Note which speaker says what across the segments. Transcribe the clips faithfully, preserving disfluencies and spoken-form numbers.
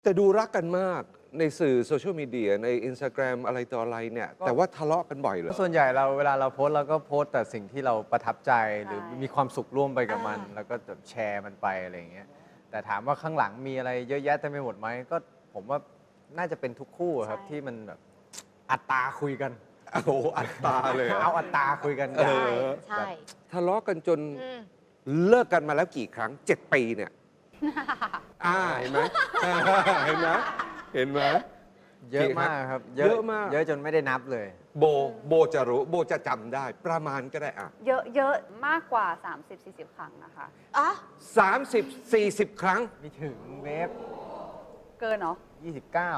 Speaker 1: แต่ดูรักกันมากในสื่อโซเชียลมีเดียใน Instagram อะไรต่ออะไรเนี่ยแต่ว่าทะเลาะกันบ่อยเหรอ
Speaker 2: ส่วนใหญ่เราเวลาเราโพสต์เราก็โพสต์แต่สิ่งที่เราประทับใจหรือมีความสุขร่วมไปกับมัน แล้วก็แบบแชร์มันไปอะไรอย่างเงี้ยแต่ถามว่าข้างหลังมีอะไรเยอะแยะเต็มไปหมดไหมก็ผมว่าน่าจะเป็นทุกคู่ครับที่มันแบบอัตราคุยกัน
Speaker 1: โอ้โหอัตราเลยเหรอ
Speaker 2: เอาอัตราคุยกัน
Speaker 1: เออ
Speaker 3: ใช่
Speaker 1: ทะเลาะกันจน
Speaker 3: อืม
Speaker 1: เลิกกันมาแล้วกี่ครั้งเจ็ดปีเนี่ย อ่าเห็นไหม เห็นไหมเห็นไหม
Speaker 2: เยอะมากครับ
Speaker 1: เยอะมาก
Speaker 2: เยอะจนไม่ได้นับเลย
Speaker 1: โบโบจะรู้โบจะจำได้ประมาณก็ได้อ่ะ
Speaker 4: เยอะเยอะมากกว่า สามสิบสี่สิบ ครั้งนะคะ
Speaker 3: อ๋อ
Speaker 1: สามสิบสี่สิบครั้ง
Speaker 2: มีถึงเวฟ
Speaker 4: เกินเนาะ
Speaker 2: ยี่สิบเก้า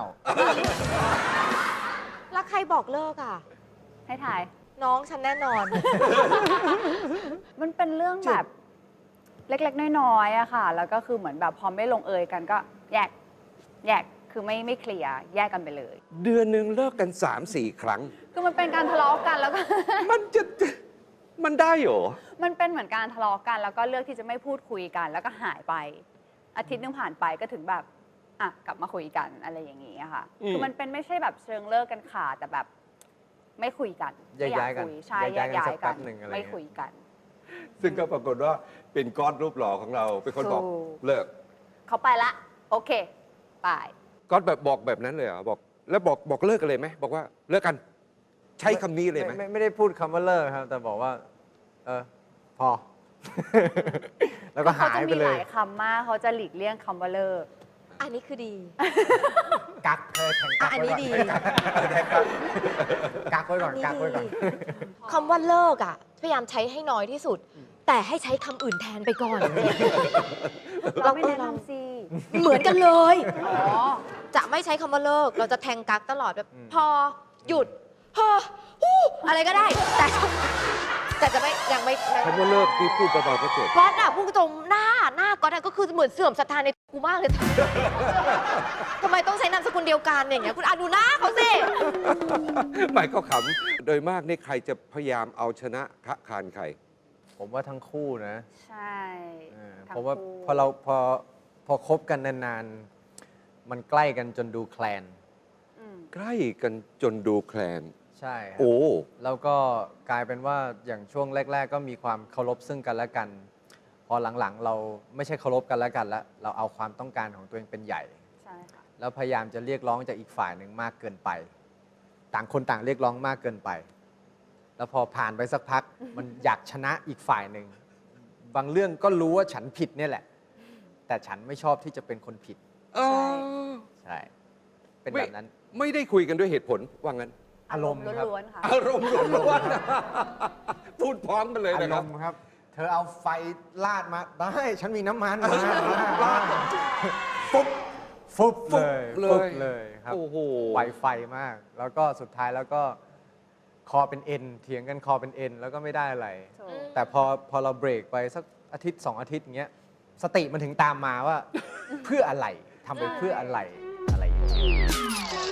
Speaker 3: แล้วใครบอกเลิกอ่ะ
Speaker 4: ให้ถ่าย
Speaker 3: น้องฉันแน่นอน
Speaker 4: มันเป็นเรื่องแบบเล็กๆ น้อยๆอะค่ะ แล้วก็คือเหมือนแบบพอไม่ลงเอยกันก็แยก แยก คือไม่ไม่เคลียร์ แยกกันไปเลย
Speaker 1: เดือนหนึ่งเลิกกันสามสี่ครั้ง
Speaker 4: คือมันเป็นการทะเลาะกันแล้วก็
Speaker 1: มันจะมันได้เหรอ
Speaker 4: มันเป็นเหมือนการทะเลาะกัน แล้วก็เลือกที่จะไม่พูดคุยกัน แล้วก็หายไป อาทิตย์นึงผ่านไปก็ถึงแบบอ่ะกลับมาคุยกันอะไรอย่างนี้อะค่ะ
Speaker 1: อืม
Speaker 4: คือมันเป็นไม่ใช่แบบเชิงเลิกกันขาดแต่แบบ ไม่คุยกัน
Speaker 2: แยกย้ายกัน
Speaker 4: ไม่อคุใช่
Speaker 2: แย
Speaker 4: แย
Speaker 2: ก
Speaker 4: ก
Speaker 2: ย้าย
Speaker 4: ย้า
Speaker 2: กันสั
Speaker 4: ย
Speaker 2: ก
Speaker 4: กั
Speaker 2: แป๊
Speaker 4: น
Speaker 2: บหนึ่งอะไร
Speaker 4: ไม่
Speaker 2: เงี้ย
Speaker 4: คุยกัน
Speaker 1: ซึ่งก็ปรากฏว่าเป็นก้อนรูปหล่อของเรา เป็นคนบอก
Speaker 4: ถูก
Speaker 1: เลิก
Speaker 4: เขาไปละ โอเคไป
Speaker 1: ก้อนแบบบอกแบบนั้นเลยเหรอบอก แล้วบอกบอกเลิกกันเลยไหมบอกว่าเลิกกัน ใช้คำนี้เลยไหม
Speaker 2: ไม่ไม่ได้พูดคำว่าเลิกครับ แต่บอกว่า เออ พอ แล้วก็
Speaker 4: เขา
Speaker 2: หาย
Speaker 4: จะ
Speaker 2: ไป
Speaker 4: มี
Speaker 2: เล
Speaker 4: ห
Speaker 2: ย
Speaker 4: ลายคำมากเขาจะหลีกเลี่ยงคำว่าเลิก
Speaker 3: อันนี้คือดี
Speaker 2: กักเธอแข่งกั
Speaker 3: อ่ะ
Speaker 2: ก
Speaker 3: อัน
Speaker 2: ไว้
Speaker 3: นี้
Speaker 2: ก่อน
Speaker 3: ดี
Speaker 2: กักไว้ก่อนกักไว้ก่อน
Speaker 3: คำว่าเลิกอ่ะ พยายามใช้ให้น้อยที่สุด แต่ให้ใช้คำอื่นแทนไปก่อน
Speaker 4: เราไม่แนะนำสิ
Speaker 3: เหมือนกันเลย
Speaker 4: อ๋อ
Speaker 3: จะไม่ใช้คำว่าเลิก เราจะแทงกักตลอดแบบ
Speaker 2: อืม
Speaker 3: พอหยุดเฮ้อฮู้อะไรก็ได้ แต่แต่จะไม่ยังไม่ไม่
Speaker 1: คำว่าเลิกที่พูดเบาๆก็เจ็บ
Speaker 3: ก๊อตอะพูดตรงหน้าหน้าก๊อตอะก็คือเหมือนเสื่อมศรัทธาในกูมากเลย ทำไมต้องใช้นามสกุลเดียวกันอย่างเงี้ยคุณอ่ะดูหน้าเขาสิ
Speaker 1: ไม่ก็ขำ โดยมากนี่ใครจะพยายามเอาชนะคะคานใคร
Speaker 2: ผมว่าทั้งคู่นะ
Speaker 4: ใช่
Speaker 2: เออ
Speaker 4: ทั้ง
Speaker 2: เพราะว่า
Speaker 4: คู่
Speaker 2: พอเราพอพอคบกันนานๆ มันใกล้กันจนดูแคลน
Speaker 4: อืม
Speaker 1: ใกล้กันจนดูแคลน
Speaker 2: ใช่ครับ
Speaker 1: โอ้
Speaker 2: แล้วก็กลายเป็นว่าอย่างช่วงแรก ๆ ก็มีความเคารพซึ่งกันและกัน พอหลังๆ เราไม่ใช่เคารพกันและกันแล้วเราเอาความต้องการของตัวเองเป็นใหญ่
Speaker 4: ใช่ค่ะ
Speaker 2: แล้วพยายามจะเรียกร้องจากอีกฝ่ายหนึ่งมากเกินไป ต่างคนต่างเรียกร้องมากเกินไป แล้วพอผ่านไปสักพัก มันอยากชนะอีกฝ่ายหนึ่ง บางเรื่องก็รู้ว่าฉันผิดเนี่ยแหละ แต่ฉันไม่ชอบที่จะเป็นคนผิด
Speaker 1: เออ
Speaker 2: ใช่ เป็น
Speaker 1: ไม่
Speaker 2: แบบนั้น
Speaker 1: ไม่ได้คุยกันด้วยเหตุผลว่างั้น
Speaker 2: อารมณ์ครับ
Speaker 4: ล้วนๆค่ะ
Speaker 1: อารมณ์ล้วนๆพูดพร้อมกันเลย
Speaker 2: อา
Speaker 1: นะ
Speaker 2: ร
Speaker 1: ครับ
Speaker 2: มณ์ครับ เธอเอาไฟลาดมา ได้ ฉันมีน้ำมันมาลาด
Speaker 1: ปุ๊บ
Speaker 2: ฟุบ
Speaker 1: ฟุ
Speaker 2: เล
Speaker 1: บ
Speaker 2: ย
Speaker 1: เลย
Speaker 2: ฟุบเลยครับ
Speaker 1: โอ้โห
Speaker 2: ไวไฟมาก แล้วก็สุดท้ายแล้วก็คอเป็นเอ็นเถียงกันคอเป็นเอ็นแล้วก็ไม่ได้อะไร
Speaker 4: ถูก
Speaker 2: แต่พอพอเราเบรกไปสักอาทิตย์สองอาทิตย์อย่างเงี้ยสติมันถึงตามมาว่า เพื่ออะไรทำไปเพื่ออะไรอะไรอย่างเงี้ย